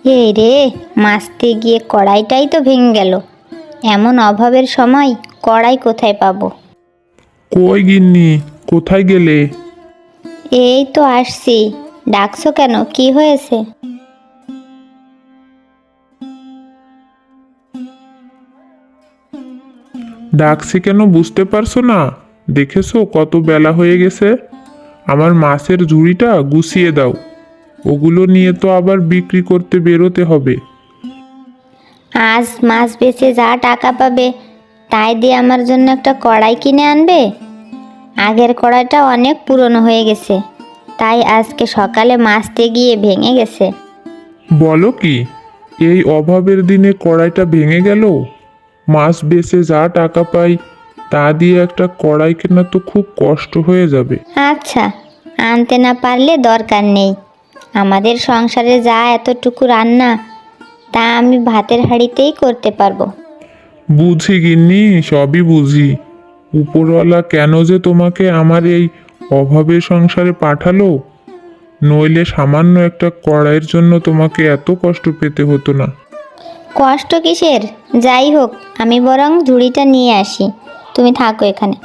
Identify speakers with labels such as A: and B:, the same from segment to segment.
A: এই রে, মাছতে গিয়ে কড়াইটাই তো ভেঙে গেল। এমন অভাবের সময় কড়াই কোথায় পাবো?
B: কই গিন্নি, কোথায় গেলে?
A: এই তো আসছি। ডাকছো কেন, কি হয়েছে?
B: ডাকছি কেন বুঝতে পারছো না? দেখেছো কত বেলা হয়ে গেছে। আমার মাছের ঝুড়িটা গুছিয়ে দাও। ওগুলো নিয়ে তো আবার বিক্রি করতে বেরোতে হবে।
A: আজ মাছ বেচে যা টাকা পাবে তাই দিয়ে আমার জন্য একটা কড়াই কিনে আনবে? আগের কড়াইটা অনেক পুরনো হয়ে গেছে, তাই আজকে সকালে মাছতে গিয়ে ভেঙে গেছে।
B: বলো কি, এই অভাবের দিনে কড়াইটা ভেঙে গেল? মাছ বেচে যা টাকা পাই তা দিয়ে একটা কড়াই কেনা তো খুব কষ্ট হয়ে যাবে।
A: আচ্ছা, আনতে না পারলে দরকার নেই। আমাদের সংসারে যা এতটুকু রান্না তা আমি ভাতের হাঁড়িতেই করতে পারবো।
B: বুঝি গিন্নি, সবই বুঝি। উপরওয়ালা কেন যে তোমাকে আমার এই অভাবের সংসারে পাঠালো, নইলে সামান্য একটা কড়াইয়ের জন্য তোমাকে এত কষ্ট পেতে হতো না।
A: কষ্ট কিসের? যাই হোক, আমি বরং ঝুড়িটা নিয়ে আসি, তুমি থাকো এখানে।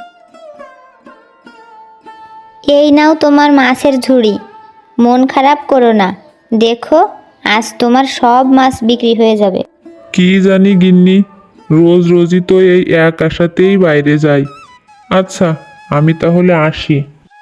A: এই নাও তোমার মাছের ঝুড়ি। মন খারাপ করো না, দেখো আজ তোমার সব মাছ বিক্রি হয়ে যাবে।
B: কি জানি গিন্নি, রোজ রোজই তো এই এক আশাতেই বাইরে যাই। আচ্ছা, আমি তাহলে আসি।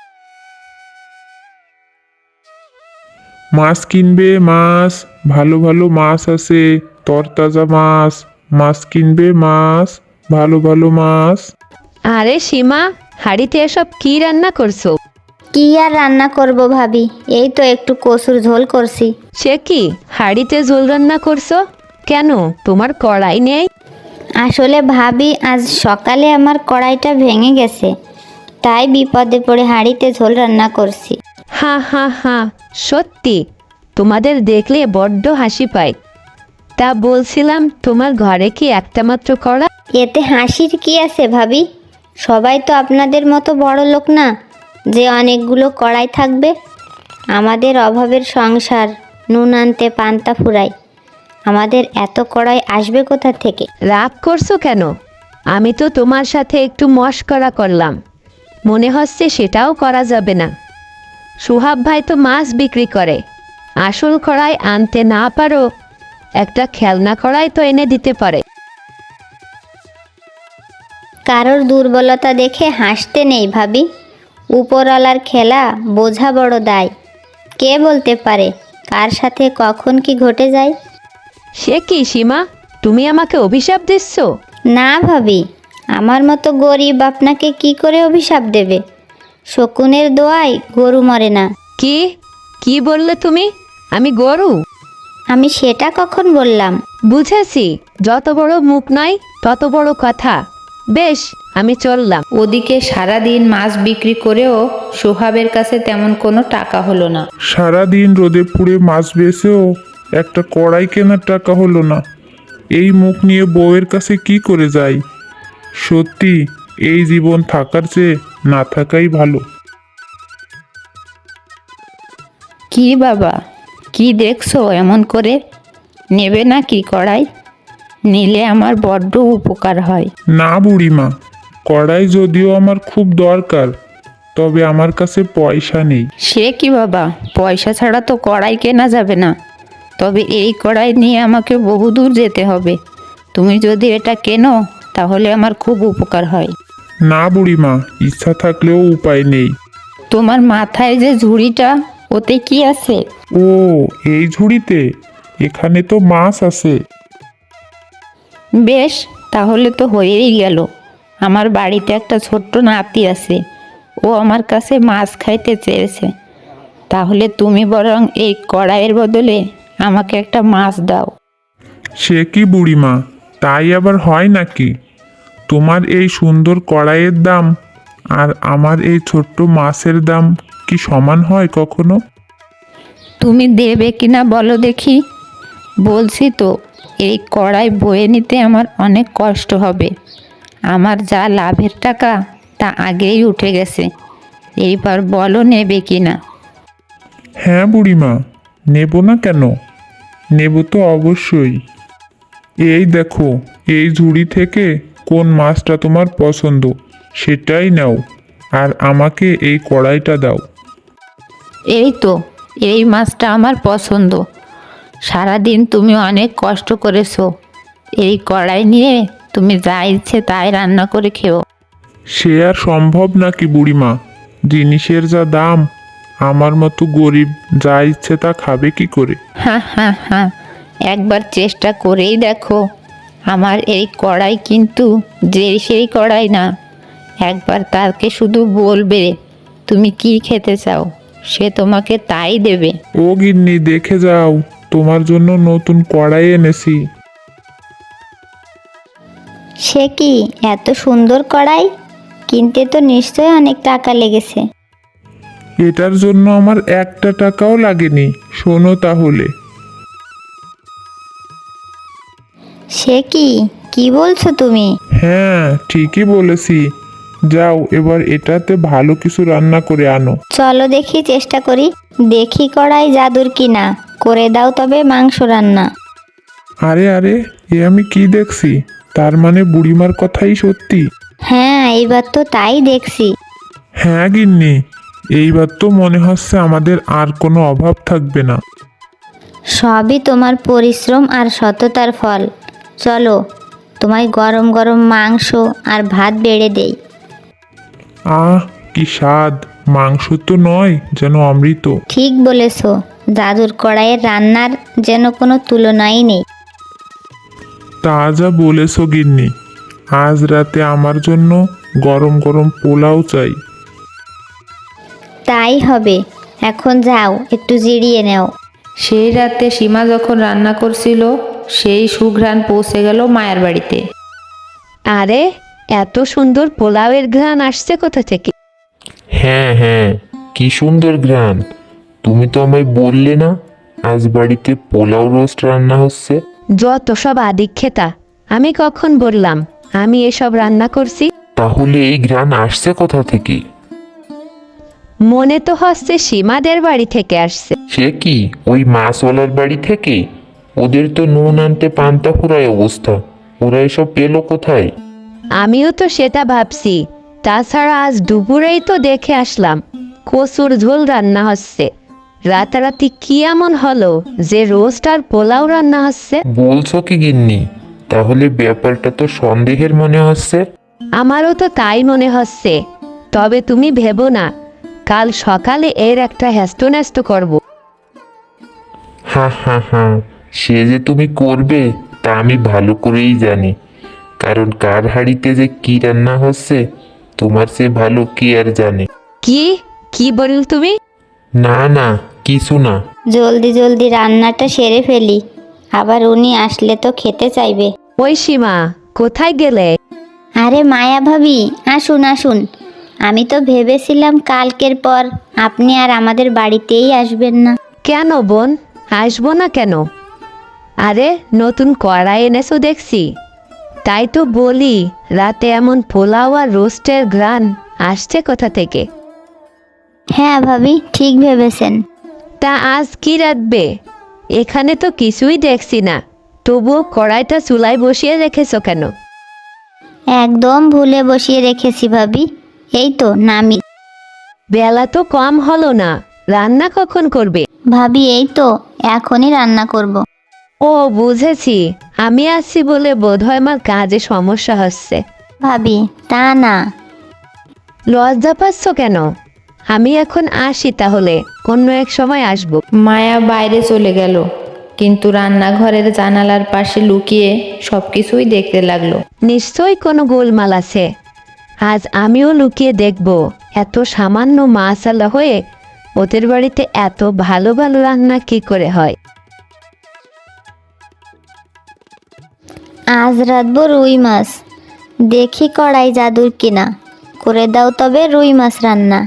B: মাছ কিনবে? মাছ, ভালো ভালো মাছ আছে, তরতাজা মাছ। মাছ কিনবে? মাছ, ভালো ভালো মাছ।
C: আরে সীমা, হাঁড়িতে এসব কি রান্না করছো?
A: কি আর রান্না করব ভাবি, এই তো একটু কচুর ঝোল করছি।
C: সে কি, হাঁড়িতে ঝোল রান্না করছো? কেন, তোমার কড়াই নেই?
A: আসলে ভাবি, আজ সকালে আমার কড়াইটা ভেঙে গেছে, তাই বিপদে পড়ে হাঁড়িতে ঝোল রান্না করছি।
C: হা হা হা, সত্যি তোমাদের দেখলে বড্ড হাসি পায়। তা বলছিলাম, তোমার ঘরে কি একটা মাত্র কড়াই?
A: এতে হাসির কি আছে ভাবি? সবাই তো আপনাদের মতো বড় লোক না যে অনেকগুলো কড়াই থাকবে। আমাদের অভাবের সংসার, নুন আনতে পান্তা ফুরায়। আমাদের এত কড়াই আসবে কোথা থেকে?
C: রাগ করছো কেন? আমি তো তোমার সাথে একটু মশকরা করলাম, মনে হচ্ছে সেটাও করা যাবে না। সুহাব ভাই তো মাছ বিক্রি করে, আসল কড়াই আনতে না পারো, একটা খেলনা কড়াই তো এনে দিতে পারে।
A: কারোর দুর্বলতা দেখে হাসতে নেই ভাবি। উপরওয়ালার খেলা বোঝা বড় দায়। কে বলতে পারে কার সাথে কখন কি ঘটে যায়?
C: সে কি সীমা, তুমি আমাকে অভিশাপ দিচ্ছ?
A: না ভাবি, আমার মতো গরিব আপনাকে কি করে অভিশাপ দেবে? শকুনের দোয়ায় গরু মরে না।
C: কি কি বললে তুমি? আমি গরু?
A: আমি সেটা কখন বললাম?
C: বুঝেছি, যত বড় মুখ নয় তত বড় কথা। বেশ, আমি চললাম।
D: ওদিকে সারাদিন মাছ বিক্রি করেও সোহাবের কাছে তেমন কোনো টাকা হলো না।
B: সারাদিন রোদে পুড়ে মাছ বেচেও একটা কড়াই কেনার টাকা হলো না। এই মুখ নিয়ে বউয়ের কাছে কি করে যাই? সত্যি, এই জীবন থাকার চেয়ে না থাকাই ভালো।
D: কি বাবা, কি দেখছো এমন করে? নেবে না কি কড়াই? নিলে আমার বড্ড উপকার হয়।
B: না বুড়িমা, কড়াই যদিও আমার খুব দরকার, তবে আমার কাছে পয়সা নেই।
D: সে কি বাবা, পয়সা ছাড়া তো কড়াই কেনা যাবে না। তবে এই কড়াই নিয়ে আমাকে বহুদূর যেতে হবে। তুমি যদি এটা কেনো তাহলে আমার খুব উপকার হয়।
B: না বুড়িমা, ইচ্ছা থাকলেও উপায় নেই।
D: তোমার মাথায় যে ঝুড়িটা, ওতে কি আছে?
B: ও, এই ঝুড়িতে? এখানে তো মাছ আছে।
D: বেশ, তাহলে তো হয়েই গেল। আমার বাড়িতে একটা ছোট্ট নাতি আছে, ও আমার কাছে মাছ খাইতে চেয়েছে। তাহলে তুমি বরং এই কড়াইয়ের বদলে আমাকে একটা মাছ দাও।
B: সে কি বুড়িমা, তাই আবার হয় নাকি? তোমার এই সুন্দর কড়াইয়ের দাম আর আমার এই ছোট্ট মাছের দাম কি সমান হয় কখনো?
D: তুমি দেবে কিনা বলো দেখি। বলছি তো, এই কড়াই বয়ে নিতে আমার অনেক কষ্ট হবে। আমার যা লাভের টাকা তা আগেই উঠে গেছে। এইবার বলো নেবে কিনা।
B: হ্যাঁ বুড়িমা, নেব না কেন? নেব তো অবশ্যই। এই দেখো, এই ঝুড়ি থেকে কোন মাছটা তোমার পছন্দ সেটাই নাও, আর আমাকে এই কড়াইটা দাও।
D: এই তো, এই মাছটা আমার পছন্দ। সারাদিন তুমি অনেক কষ্ট করেছো, এই কড়াই নিয়ে তুমি যা ইচ্ছে তাই রান্না করে খেও।
B: সে আর সম্ভব নাকি বুড়িমা? জিনিসের যা দাম, আমার মতো গরিব যা ইচ্ছে তা খাবে কি করে?
D: হ্যাঁ হ্যাঁ হ্যাঁ, একবার চেষ্টা করেই দেখো। আমার এই কড়াই কিন্তু যে সেই কড়াই না। একবার তাকে শুধু বলবে তুমি কি খেতে চাও, সে তোমাকে তাই দেবে।
B: ও গিন্নি, দেখে যাও, তোমার জন্য নতুন কড়াই এনেছি।
A: সে কি এত সুন্দর কড়াই? কিনতে তো নিশ্চয়ই অনেক টাকা লেগেছে।
B: এটার জন্য আমার একটা টাকাও লাগেনি। শোনো তাহলে।
A: সে কি কি বলছো তুমি?
B: হ্যাঁ, ঠিকই বলেছি। যাও, এবার এটাতে ভালো কিছু রান্না করে আনো।
A: চলো দেখি, চেষ্টা করি। দেখি কড়াই জাদুর কিনা, করে দাও তবে মাংস রান্না।
B: আরে আরে, এ আমি কি দেখছি? তার মানে বুড়িমার কথাই সত্যি?
A: হ্যাঁ, এইবার তো তাই দেখছি।
B: হ্যাঁ গিন্নি, এইবার তো মনে হচ্ছে আমাদের আর কোনো অভাব থাকবে না।
A: সবই তোমার পরিশ্রম আর সততার ফল। চলো, তোমায় গরম গরম মাংস আর ভাত বেড়ে দেই।
B: আহ, কি স্বাদ! মাংস তো নয়, যেন অমৃত।
A: ঠিক বলেছ, জাদুর কড়াইয়ের রান্নার যেন কোনো তুলনাই নেই।
B: তা যা বলেছো গিন্নি, আজ রাতে আমার জন্য গরম গরম পোলাও চাই।
A: তাই হবে। এখন যাও, একটু জিরিয়ে নাও।
D: সেই রাতে সীমা যখন রান্না করছিল, সেই সুঘ্রাণ পৌঁছে গেল মায়ের বাড়িতে।
C: আরে, এত সুন্দর পোলাওয়ের ঘ্রাণ আসছে কোথা থেকে?
E: হ্যাঁ হ্যাঁ, কি সুন্দর গ্রান! তুমি তো আমায় বললে না আজ বাড়িতে পোলাও রোস্ট রান্না হচ্ছে?
C: যত সব আদিক্ষেতা! আমি কখন বললাম আমি এসব রান্না করছি?
E: তাহলে এই গ্রান আসছে কোথা থেকে?
C: মনে তো হচ্ছে সীমাদের বাড়ি থেকে আসছে।
E: সে কি, ওই মাছওয়ালার বাড়ি থেকে? ওদের তো নুন আনতে পান্তা ফুরায় অবস্থা। ওরা এসব পেলো কোথায়?
C: আমিও তো সেটা ভাবছি। তাছাড়া আজ দুপুরেই তো দেখে আসলাম কচুর ঝোল রান্না হচ্ছে। রাতারাতি কি এমন হলো যে রোস্ট আর পোলাও রান্না হচ্ছে?
E: বলছো কি গিন্নি? তাহলে ব্যাপারটা তো সন্দেহের মনে হচ্ছে।
C: আমারও তো তাই মনে হচ্ছে। তবে তুমি ভেবো না, কাল সকালে এর একটা হ্যাস্ত করব।
E: হ্যাঁ হ্যাঁ হ্যাঁ, সে যে তুমি করবে তা আমি ভালো করেই জানি। কারণ কার হাঁড়িতে যে কি রান্না হচ্ছে তোমার সে ভালো কি আর জানে।
C: কি কি বল তুমি?
E: না না, কিছু না।
A: জলদি জলদি রান্নাটা সেরে ফেলি, আবার উনি আসলে তো খেতে চাইবে।
C: ওই সীমা, কোথায় গেলে?
A: আরে মায়া ভাবি, আসুন আসুন। আমি তো ভেবেছিলাম কালকের পর আপনি আর আমাদের বাড়িতেই আসবেন না।
C: কেন বোন, আসবো না কেন? আরে, নতুন কড়াই এনেছো দেখছি। তাই তো বলি, রাতে এমন পোলাও আর রোস্টের ঘ্রাণ আসছে কোথা থেকে?
A: হ্যাঁ ভাবি, ঠিক ভেবেছেন।
C: তা আজ কি রাঁধবে? এখানে তো কিছুই দেখছি না। তবুও কড়াইটা চুলায় বসিয়ে রেখেছো কেন?
A: একদম ভুলে বসিয়ে রেখেছি ভাবি, এই তো নামি।
C: বেলা তো কম হলো না, রান্না কখন করবে?
A: ভাবি এই তো এখনই রান্না করব।
C: ও বুঝেছি, আমি আসছি বলে বোধহয় আমার কাজে সমস্যা হচ্ছে।
A: ভাবি তা না।
C: লজ্জা পাচ্ছ কেন? আমি এখন আসি, তাহলে অন্য এক সময় আসবো।
D: মায়া বাইরে চলে গেল, কিন্তু রান্নাঘরের জানালার পাশে লুকিয়ে সবকিছুই দেখতে লাগলো।
C: নিশ্চয়ই কোনো গোলমাল আছে। আজ আমিও লুকিয়ে দেখব এত সামান্য মাছালা হয়ে ওদের বাড়িতে এত ভালো ভালো রান্না কি করে হয়।
A: আজ রাঁধবো রুই মাছ। দেখি কড়াই জাদুর কিনা, করে দাও তবে রুই মাছ রান্না।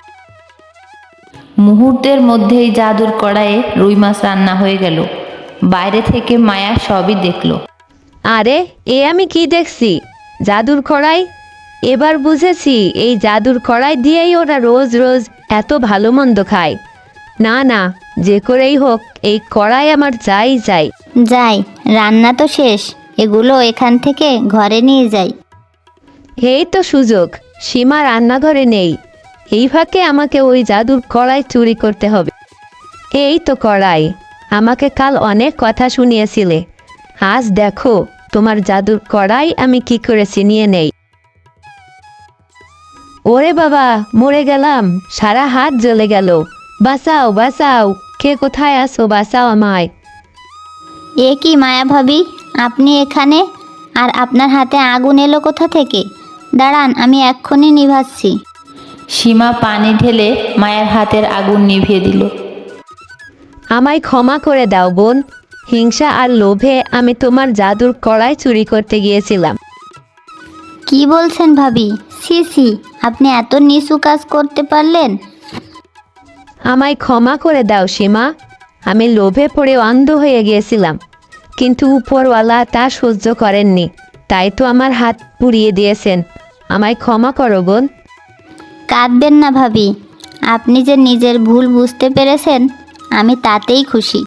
D: মুহূর্তের মধ্যেই জাদুর কড়াইয়ে রুই মাছ রান্না হয়ে গেল। বাইরে থেকে মায়া সবই দেখলো।
C: আরে, এ আমি কি দেখছি? জাদুর কড়াই! এবার বুঝেছি এই জাদুর কড়াই দিয়েই ওরা রোজ রোজ এত ভালো মন্দ খায়। না না, যে করেই হোক এই কড়াই আমার চাই চাই।
A: যাই, রান্না তো শেষ, এগুলো এখান থেকে ঘরে নিয়ে যাই।
C: এই তো সুযোগ, সীমা রান্নাঘরে নেই, এই ফাঁকে আমাকে ওই জাদুর কড়াই চুরি করতে হবে। এই তো কড়াই, আমাকে কাল অনেক কথা শুনিয়েছিলে, আজ দেখো তোমার জাদুর কড়াই আমি কি করেছি, নিয়ে নেই। ওরে বাবা, মরে গেলাম, সারা হাত জ্বলে গেল, বাঁচাও বাঁচাও, কে কোথায় আসো, বাঁচাও আমায়।
A: এ কি মায়া ভাবি, আপনি এখানে? আর আপনার হাতে আগুন এলো কোথা থেকে? দাঁড়ান, আমি এক্ষুনি নিভাচ্ছি।
D: সীমা পানি ঢেলে মায়ের হাতের আগুন নিভিয়ে দিল।
C: আমায় ক্ষমা করে দাও বোন, হিংসা আর লোভে আমি তোমার জাদুর কড়াই চুরি করতে গিয়েছিলাম।
A: কি বলছেন ভাবি? সি সি, আপনি এত নিচু কাজ করতে পারলেন?
C: আমায় ক্ষমা করে দাও সীমা, আমি লোভে পড়ে অন্ধ হয়ে গিয়েছিলাম, কিন্তু উপরওয়ালা তা সহ্য করেননি, তাই তো আমার হাত পুড়িয়ে দিয়েছেন। আমায় ক্ষমা করো বোন।
A: কাঁদবেন না ভাবি, আপনি যে নিজের ভুল বুঝতে পেরেছেন, আমি তাতেই খুশি।